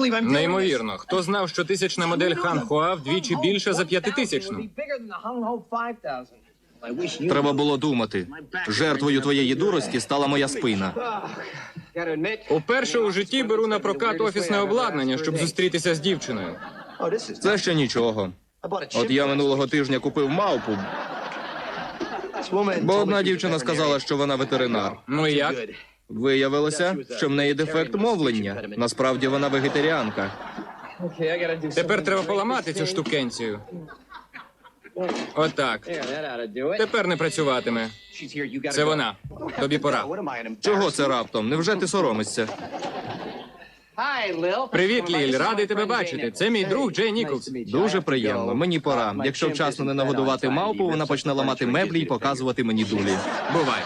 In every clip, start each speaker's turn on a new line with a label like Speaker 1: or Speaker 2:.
Speaker 1: Неймовірно. Хто знав, що тисячна модель Хан Хуа вдвічі більша за 5000-ну?
Speaker 2: Треба було думати. Жертвою твоєї дурості стала моя спина.
Speaker 1: Уперше у житті беру на прокат офісне обладнання, щоб зустрітися з дівчиною.
Speaker 2: Це ще нічого. От я минулого тижня купив мавпу, бо одна дівчина сказала, що вона ветеринар.
Speaker 1: Ну і як?
Speaker 2: Виявилося, що в неї дефект мовлення. Насправді вона вегетаріанка.
Speaker 1: Тепер треба поламати цю штукенцію. Отак. Тепер не працюватиме. Це вона. Тобі пора.
Speaker 2: Чого це раптом? Невже ти соромишся?
Speaker 1: Привіт, Ліль. Радий тебе бачити. Це мій друг Джей Ніколс.
Speaker 2: Дуже приємно. Мені пора. Якщо вчасно не нагодувати мавпу, вона почне ламати меблі і показувати мені дулі.
Speaker 1: Бувай.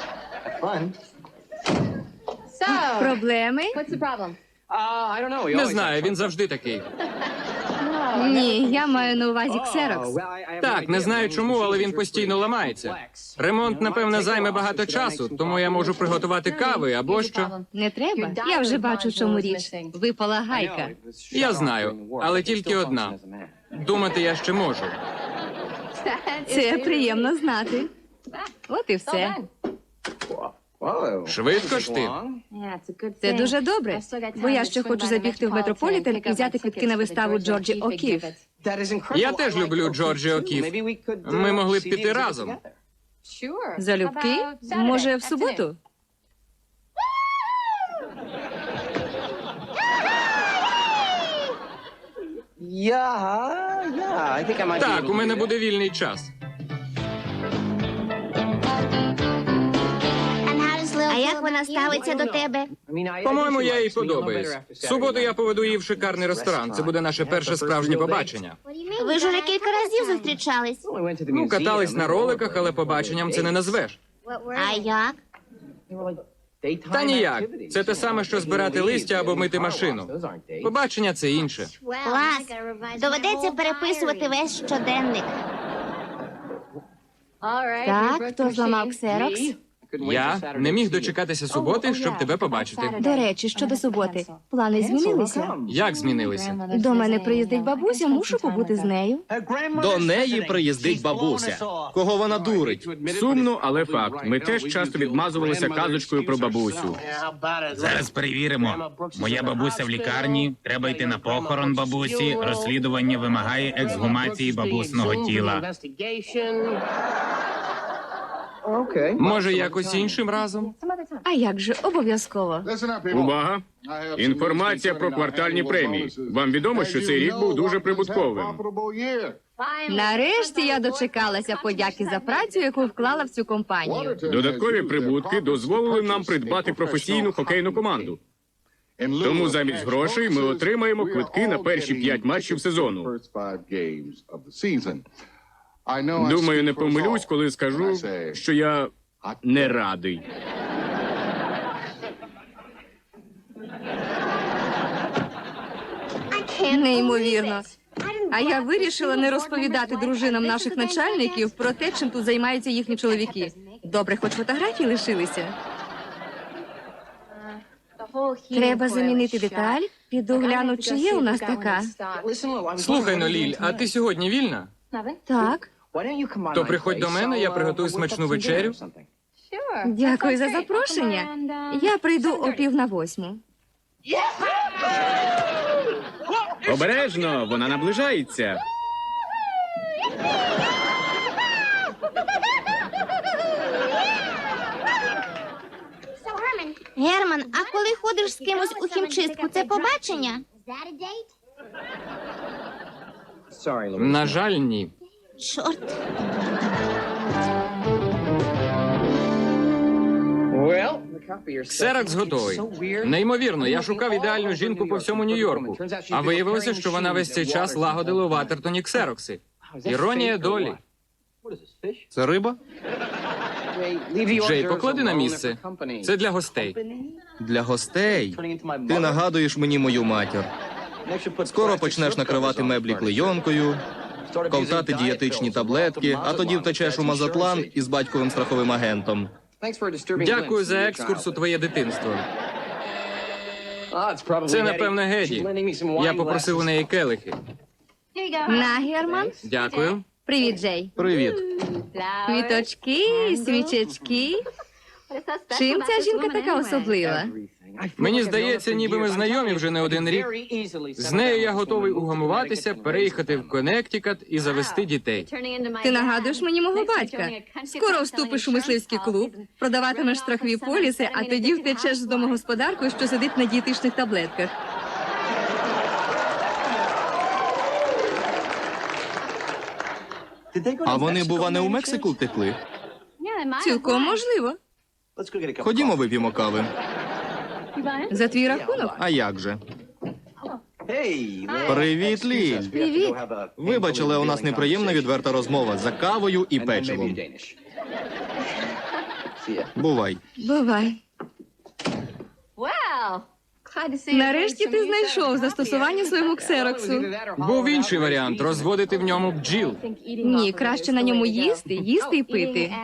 Speaker 3: Проблеми?
Speaker 1: Не знаю, він завжди такий.
Speaker 3: Ні, я маю на увазі ксерокс.
Speaker 1: Так, не знаю чому, але він постійно ламається. Ремонт, напевне, займе багато часу, тому я можу приготувати кави або що.
Speaker 3: Не треба? Я вже бачу, в чому річ. Випала гайка.
Speaker 1: Я знаю, але тільки одна. Думати я ще можу.
Speaker 3: Це приємно знати. От і все.
Speaker 1: Швидко ж ти.
Speaker 3: Це дуже добре, бо я ще хочу забігти в Метрополітен і взяти квитки на виставу Джорджі О'Кіф.
Speaker 1: Я теж люблю Джорджі О'Кіф. Ми могли б піти разом.
Speaker 3: Залюбки? Може, в суботу?
Speaker 1: Так, у мене буде вільний час.
Speaker 4: А як вона ставиться до тебе?
Speaker 1: По-моєму, я їй подобаюсь. В суботу я поведу її в шикарний ресторан. Це буде наше перше справжнє побачення.
Speaker 4: Ви ж уже кілька разів зустрічались.
Speaker 1: Ну, катались на роликах, але побаченням це не назвеш.
Speaker 4: А як?
Speaker 1: Та ніяк. Це те саме, що збирати листя або мити машину. Побачення – це інше.
Speaker 4: Клас. Доведеться переписувати весь щоденник.
Speaker 3: Так, хто зламав ксерокс?
Speaker 1: Я не міг дочекатися суботи, щоб тебе побачити.
Speaker 3: До речі, щодо суботи. Плани змінилися.
Speaker 1: Як змінилися?
Speaker 3: До мене приїздить бабуся, мушу побути з нею.
Speaker 2: До неї приїздить бабуся. Кого вона дурить?
Speaker 5: Сумно, але факт. Ми теж часто відмазувалися казочкою про бабусю.
Speaker 6: Зараз перевіримо. Моя бабуся в лікарні, треба йти на похорон бабусі, розслідування вимагає ексгумації бабусного тіла.
Speaker 1: Може, якось іншим разом?
Speaker 3: А як же, обов'язково.
Speaker 5: Увага! Інформація про квартальні премії. Вам відомо, що цей рік був дуже прибутковим.
Speaker 3: Нарешті я дочекалася подяки за працю, яку вклала в цю компанію.
Speaker 5: Додаткові прибутки дозволили нам придбати професійну хокейну команду. Тому замість грошей ми отримаємо квитки на перші 5 матчів сезону. Думаю, не помилюсь, коли скажу, що я не радий.
Speaker 3: Неймовірно. А я вирішила не розповідати дружинам наших начальників про те, чим тут займаються їхні чоловіки. Добре, хоч фотографії лишилися. Треба замінити деталь. Піду гляну, чи є у нас така.
Speaker 1: Слухай, ну, Ліль, а ти сьогодні вільна?
Speaker 3: Так,
Speaker 1: То приходь до мене, я приготую смачну вечерю.
Speaker 3: дякую за запрошення. Я прийду о 7:45.
Speaker 5: Обережно, вона наближається.
Speaker 4: Герман, а коли ходиш з кимось у хімчистку, це побачення?
Speaker 1: На жаль, ні.
Speaker 4: Чорт.
Speaker 1: Ксерокс готовий. Неймовірно, я шукав ідеальну жінку по всьому Нью-Йорку. А виявилося, що вона весь цей час лагодила у Ватертоні ксерокси. Іронія долі.
Speaker 2: Це риба?
Speaker 1: Джей, поклади на місце. Це для гостей.
Speaker 2: Для гостей? Ти нагадуєш мені мою матір. Скоро почнеш накривати меблі клейонкою, ковтати дієтичні таблетки, а тоді втечеш у Мазатлан із батьковим страховим агентом.
Speaker 1: Дякую за екскурс у твоє дитинство. Це, напевно, Геді. Я попросив у неї келихи.
Speaker 3: На, Герман.
Speaker 1: Дякую.
Speaker 3: Привіт, Джей.
Speaker 2: Привіт.
Speaker 3: Квіточки, свічечки. Чим ця жінка така особлива?
Speaker 1: Мені здається, ніби ми знайомі вже не один рік. З нею я готовий угамуватися, переїхати в Коннектикут і завести дітей.
Speaker 3: Ти нагадуєш мені мого батька. Скоро вступиш у мисливський клуб, продаватимеш страхові поліси, а тоді втечеш з домогосподаркою, що сидить на дієтичних таблетках.
Speaker 2: А вони, бува, не у Мексику втекли?
Speaker 3: Цілком можливо.
Speaker 2: Ходімо, вип'ємо кави.
Speaker 3: За твій рахунок.
Speaker 2: А як же? Привіт, Ліль.
Speaker 3: Привіт.
Speaker 2: Вибач, але у нас неприємна відверта розмова за кавою і печивом. Бувай.
Speaker 3: Бувай. Нарешті ти знайшов застосування своєму ксероксу.
Speaker 1: Був інший варіант – розводити в ньому бджіл.
Speaker 3: Ні, краще на ньому їсти і пити.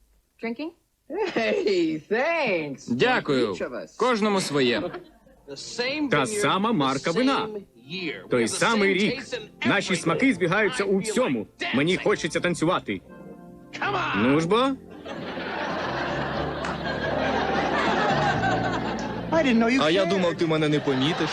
Speaker 1: Дякую. Кожному своє.
Speaker 5: Та сама марка вина. Той самий рік. Наші смаки збігаються у всьому. Мені хочеться танцювати. Ну ж бо.
Speaker 2: А я думав, ти мене не помітиш.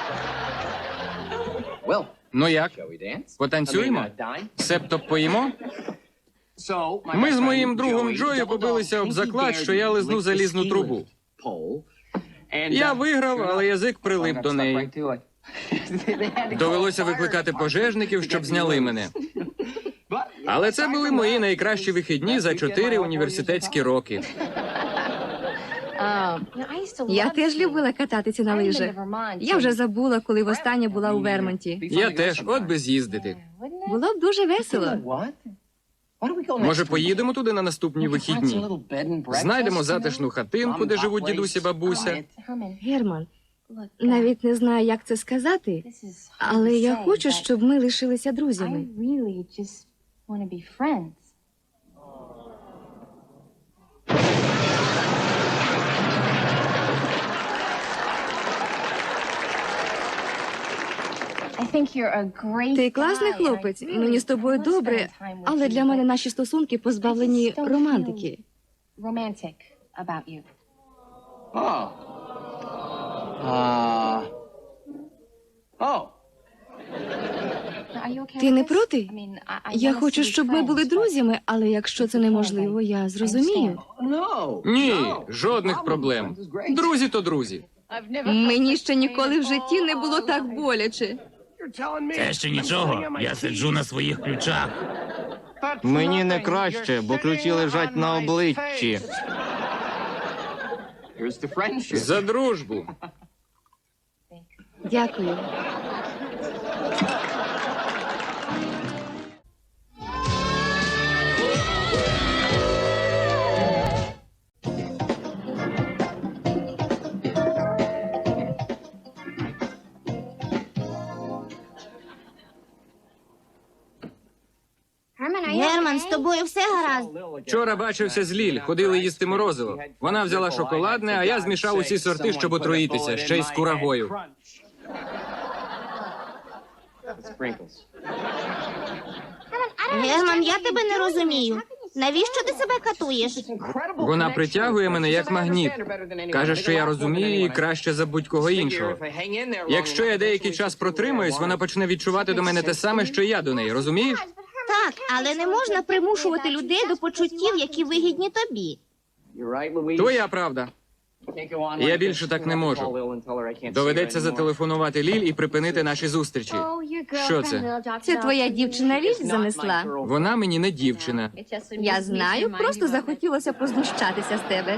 Speaker 1: Ну як? Потанцюємо? Себто поїмо? Ми з моїм другом Джою побилися об заклад, що я лизну залізну трубу. Я виграв, але язик прилип до неї. Довелося викликати пожежників, щоб зняли мене. Але це були мої найкращі вихідні за 4 університетські роки.
Speaker 3: Я теж любила кататися на лижах. Я вже забула, коли востаннє була у Вермонті.
Speaker 1: Я теж, от би з'їздити.
Speaker 3: Було б дуже весело.
Speaker 1: Може, поїдемо туди на наступні вихідні? Знайдемо затишну хатинку, де живуть дідусь і бабуся.
Speaker 3: Герман, навіть не знаю, як це сказати, але я хочу, щоб ми лишилися друзями. Ти класний хлопець, мені з тобою добре, але для мене наші стосунки позбавлені романтики. Ти не проти? Я хочу, щоб ми були друзями, але якщо це неможливо, я зрозумію.
Speaker 1: Ні, жодних проблем. Друзі то друзі.
Speaker 3: Мені ще ніколи в житті не було так боляче.
Speaker 6: Це ще нічого. Я сиджу на своїх ключах.
Speaker 2: Мені не краще, бо ключі лежать на обличчі.
Speaker 1: За дружбу.
Speaker 3: Дякую.
Speaker 4: Герман, з тобою все гаразд?
Speaker 1: Вчора бачився з Ліль, ходили їсти морозиво. Вона взяла шоколадне, а я змішав усі сорти, щоб отруїтися, ще й з курагою.
Speaker 4: Герман, я тебе не розумію. Навіщо ти себе катуєш?
Speaker 1: Вона притягує мене як магніт. Каже, що я розумію її краще за будь-кого іншого. Якщо я деякий час протримаюсь, вона почне відчувати до мене те саме, що й я до неї, розумієш?
Speaker 4: Так, але не можна примушувати людей до почуттів, які вигідні тобі.
Speaker 1: Твоя правда. Я більше так не можу. Доведеться зателефонувати Ліль і припинити наші зустрічі. Що це?
Speaker 3: Це твоя дівчина Ліль занесла?
Speaker 1: Вона мені не дівчина.
Speaker 3: Я знаю, просто захотілося познущатися з тебе.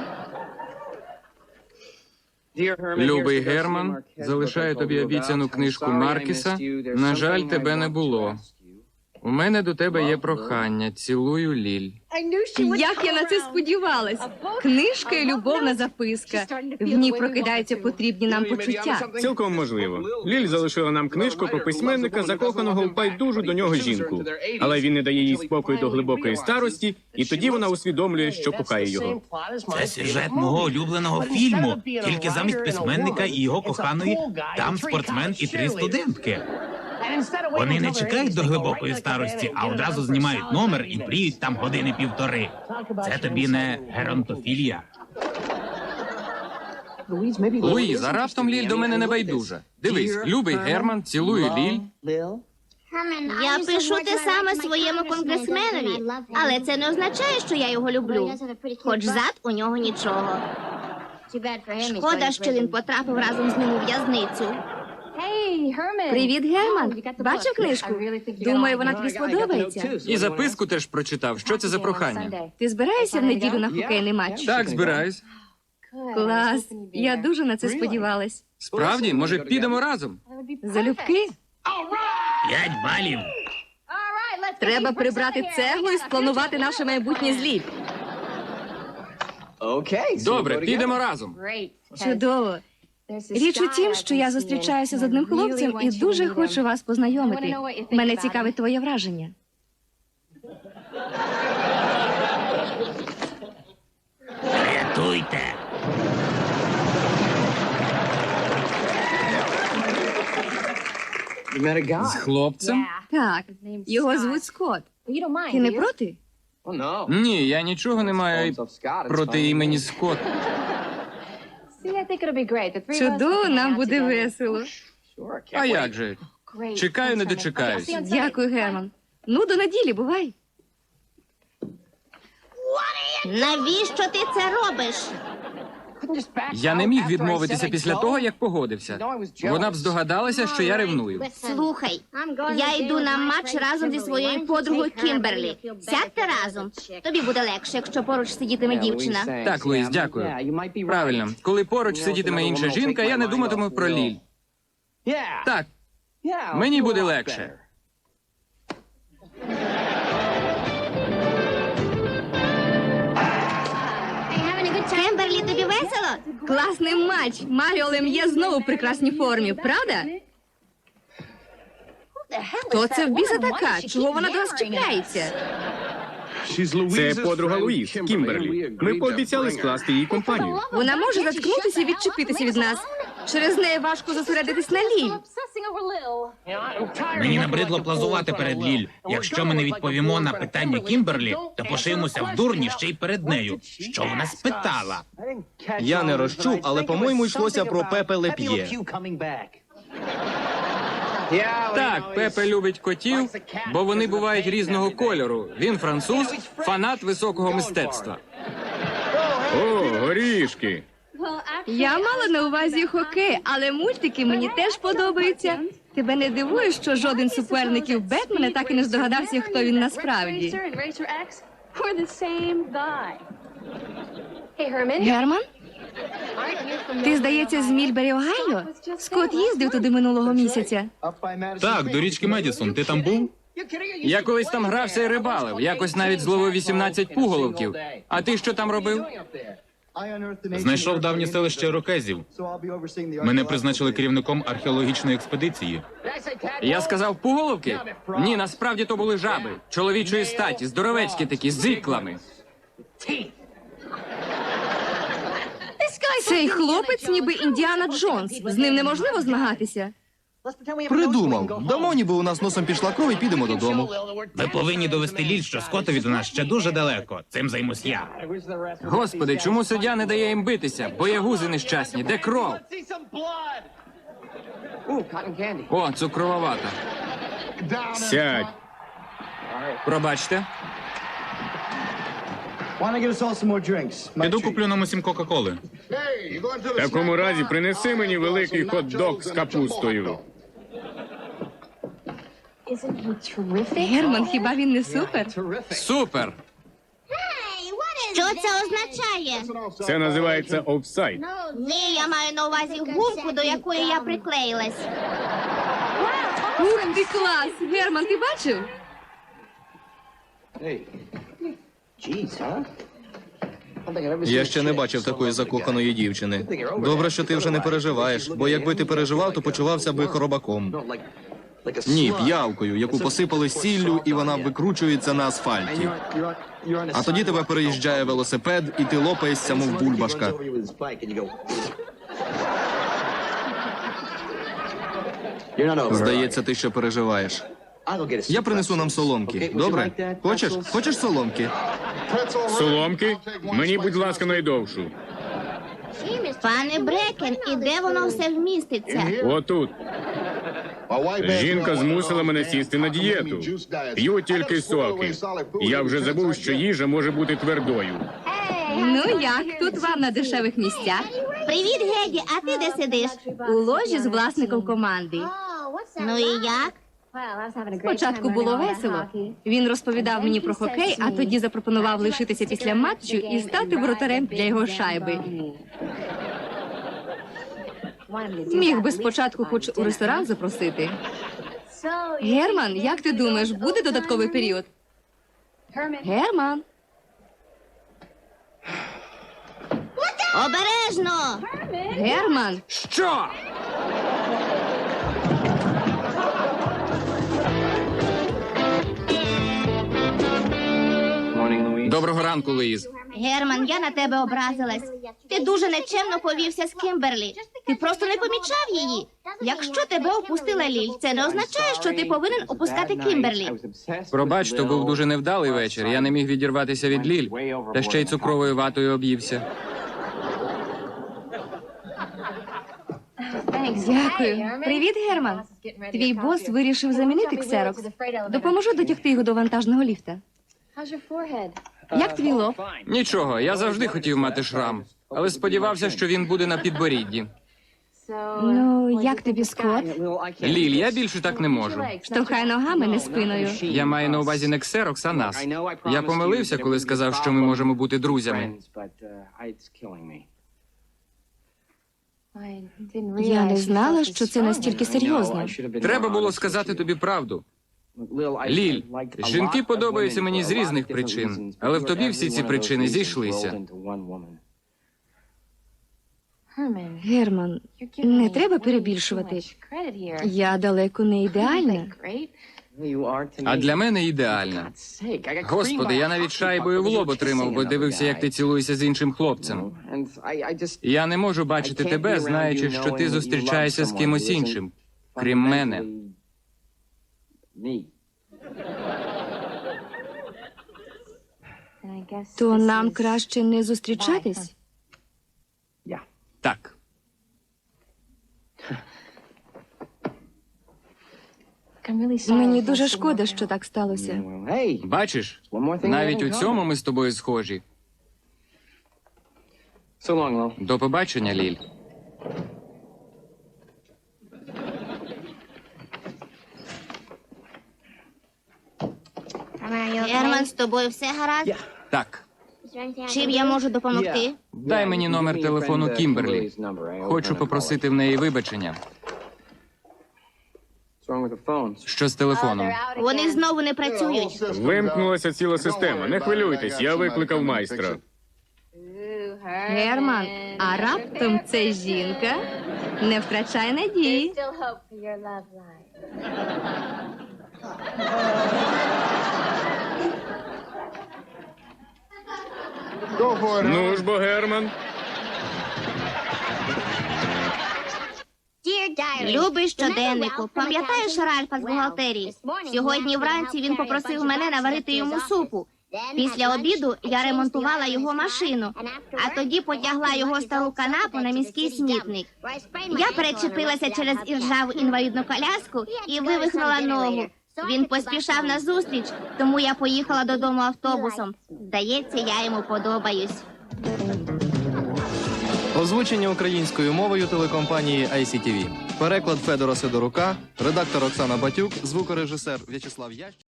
Speaker 1: Любий Герман, залишаю тобі обіцяну книжку Маркіса. На жаль, тебе не було. У мене до тебе є прохання. Цілую, Ліль.
Speaker 3: Як я на це сподівалась? Книжка і любовна записка. В ній прокидаються потрібні нам почуття.
Speaker 5: Цілком можливо. Ліль залишила нам книжку про письменника, закоханого в байдужу до нього жінку. Але він не дає їй спокою до глибокої старості, і тоді вона усвідомлює, що кохає його.
Speaker 6: Це сюжет мого улюбленого фільму. Тільки замість письменника і його коханої там спортсмен і 3 студентки. Вони не чекають до глибокої старості, а одразу знімають номер і мріють там години 1,5. Це тобі не геронтофілія.
Speaker 1: Луїза, раптом Ліль до мене не байдужа. Дивись, любий Герман, цілую, Ліль.
Speaker 4: Я пишу те саме своєму конгресменові, але це не означає, що я його люблю. Хоч зад у нього нічого. Шкода, що він потрапив разом з ним у в'язницю.
Speaker 3: Привіт, Герман. Бачив книжку? Думаю, вона тобі сподобається.
Speaker 1: І записку теж прочитав. Що це за прохання?
Speaker 3: Ти збираєшся в неділю на хокейний матч?
Speaker 1: Так, збираюсь.
Speaker 3: Клас. Я дуже на це сподівалась.
Speaker 1: Справді, може, підемо разом?
Speaker 3: Залюбки?
Speaker 6: 5 балів.
Speaker 3: Треба прибрати цеглу і спланувати наше майбутнє з Ліль.
Speaker 1: Добре, підемо разом.
Speaker 3: Чудово. Річ у тім, що я зустрічаюся з одним хлопцем і дуже хочу вас познайомити. Мене цікавить твоє враження.
Speaker 6: Рятуйте.
Speaker 1: З хлопцем?
Speaker 3: Так, його звуть Скотт. Ти не проти?
Speaker 1: Ні, я нічого не маю проти імені Скотт.
Speaker 3: Чудово, нам буде весело.
Speaker 1: А як же? Чекаю, не дочекаюсь.
Speaker 3: Дякую, Герман. Ну, до неділі, бувай.
Speaker 4: Навіщо ти це робиш?
Speaker 1: Я не міг відмовитися після того, як погодився. Вона б здогадалася, що я ревную.
Speaker 4: Слухай, я йду на матч разом зі своєю подругою Кімберлі. Сядьте разом. Тобі буде легше, якщо поруч сидітиме дівчина.
Speaker 1: Так, Луїс, дякую. Правильно. Коли поруч сидітиме інша жінка, я не думатиму про Ліль. Так, мені буде легше.
Speaker 4: Кімберлі, тобі весело?
Speaker 3: Класний матч. Маріо Лем'є знову в прекрасній формі, правда? Хто це в біса така? Чого вона до нас чіпляється?
Speaker 5: Це подруга Луїз, Кімберлі. Ми пообіцяли скласти їй компанію.
Speaker 3: Вона може заткнутися і відчепитися від нас. Через неї важко зосередитись на Ліль.
Speaker 6: Мені набридло плазувати перед Ліль. Якщо ми не відповімо на питання Кімберлі, то пошиємося в дурні ще й перед нею. Що вона спитала?
Speaker 2: Я не розчув, але, по-моєму, йшлося про Пепе Леп'є.
Speaker 1: Так, Пепе любить котів, бо вони бувають різного кольору. Він француз, фанат високого мистецтва.
Speaker 5: О, горішки.
Speaker 3: Я мала на увазі хокей, але мультики мені теж подобаються. Тебе не дивує, що жоден з суперників Бетмена так і не здогадався, хто він насправді? Герман? Ти, здається, з Мільбері, Огайо? Скотт їздив туди минулого місяця.
Speaker 6: Так, до річки Медісон. Ти там був?
Speaker 1: Я колись там грався і рибалив, якось навіть зловив 18 пуголовків. А ти що там робив?
Speaker 6: Знайшов давнє селище Ірокезів. Мене призначили керівником археологічної експедиції.
Speaker 1: Я сказав пуголовки? Ні, насправді то були жаби. Чоловічої статі, здоровецькі такі, з іклами.
Speaker 3: Цей хлопець ніби Індіана Джонс. З ним неможливо змагатися.
Speaker 2: Придумав. Дамо, ніби у нас носом пішла кров і підемо додому.
Speaker 6: Ви повинні довести Ліль, що Скоттові до нас ще дуже далеко. Цим займусь я.
Speaker 1: Господи, чому суддя не дає їм битися? Боягузи нещасні, де кров? О, цукрова вата.
Speaker 5: Сядь.
Speaker 1: Пробачте.
Speaker 6: Піду куплю нам усім Кока-Коли.
Speaker 5: В такому разі принеси мені великий хот-дог з капустою.
Speaker 3: Герман, хіба він не супер?
Speaker 1: Супер!
Speaker 4: Що це означає?
Speaker 5: Це називається офсайд.
Speaker 4: Ні, я маю на увазі гумку, до якої я приклеїлась.
Speaker 3: Ух ти, клас! Герман, ти бачив?
Speaker 2: Я ще не бачив такої закоханої дівчини. Добре, що ти вже не переживаєш, бо якби ти переживав, то почувався би хоробаком. Ні, п'явкою, яку посипали сіллю, і вона викручується на асфальті. А тоді тебе переїжджає велосипед, і ти лопаєшся, мов бульбашка. Здається, ти ще переживаєш. Я принесу нам соломки. Добре? Хочеш? Хочеш соломки?
Speaker 5: Соломки? Мені, будь ласка, найдовшу.
Speaker 4: Пане Брекен, і де воно все вміститься?
Speaker 5: Отут. Жінка змусила мене сісти на дієту. П'ю тільки соки. Я вже забув, що їжа може бути твердою.
Speaker 3: Ну як, тут вам на дешевих місцях?
Speaker 4: Привіт, Геді, а ти де сидиш?
Speaker 3: У ложі з власником команди.
Speaker 4: Ну і як?
Speaker 3: Спочатку було весело. Він розповідав мені про хокей, а тоді запропонував лишитися після матчу і стати воротарем для його шайби. Міг би спочатку хоч у ресторан запросити. Герман, як ти думаєш, буде додатковий період? Герман?
Speaker 4: Обережно!
Speaker 3: Герман?
Speaker 1: Що? Доброго ранку, Луїз.
Speaker 4: Герман, я на тебе образилась. Ти дуже нечемно повівся з Кімберлі. Ти просто не помічав її. Якщо тебе опустила Ліль, це не означає, що ти повинен опускати Кімберлі.
Speaker 1: Пробач, то був дуже невдалий вечір. Я не міг відірватися від Ліль, та ще й цукровою ватою об'ївся.
Speaker 3: Дякую. Привіт, Герман. Твій бос вирішив замінити ксерокс. Допоможу дотягти його до вантажного ліфта. Як твій лоб?
Speaker 1: Нічого, я завжди хотів мати шрам, але сподівався, що він буде на підборідді.
Speaker 3: Ну, як тобі, Скотт?
Speaker 1: Ліль, я більше так не можу.
Speaker 3: Штовхай ногами, не спиною.
Speaker 1: Я маю на увазі не ксерокс, а нас. Я помилився, коли сказав, що ми можемо бути друзями.
Speaker 3: Я не знала, що це настільки серйозно.
Speaker 1: Треба було сказати тобі правду. Ліль, жінки подобаються мені з різних причин, але в тобі всі ці причини зійшлися.
Speaker 3: Герман, не треба перебільшувати. Я далеко не ідеальна.
Speaker 1: А для мене ідеальна. Господи, я навіть шайбою в лоб отримав, бо дивився, як ти цілуєшся з іншим хлопцем. Я не можу бачити тебе, знаючи, що ти зустрічаєшся з кимось іншим, крім мене.
Speaker 3: То нам краще не зустрічатись?
Speaker 1: Так.
Speaker 3: Мені дуже шкода, що так сталося.
Speaker 1: Бачиш, навіть у цьому ми з тобою схожі. До побачення, Ліль.
Speaker 4: Герман, з тобою все гаразд?
Speaker 1: Так,
Speaker 4: Чим я можу допомогти?
Speaker 1: дай мені номер телефону Кімберлі. Хочу попросити в неї вибачення. Що з телефоном?
Speaker 4: Вони знову не працюють.
Speaker 5: Вимкнулася ціла система. Не хвилюйтесь, я викликав майстра.
Speaker 3: Герман, а раптом це жінка? Не втрачай надії.
Speaker 5: Ну ж бо, Герман.
Speaker 4: Любий щоденнику, пам'ятаєш Ральфа з бухгалтерії? Сьогодні вранці він попросив мене наварити йому супу. Після обіду я ремонтувала його машину, а тоді потягла його стару канапу на міський смітник. Я перечепилася через іржаву інвалідну коляску і вивихнула ногу. Він поспішав на зустріч, тому я поїхала додому автобусом. Здається, я йому подобаюсь.
Speaker 2: Озвучення українською мовою телекомпанії ICTV. Переклад Федора Сидорука, редактор Оксана Батюк, звукорежисер В'ячеслав Ящ.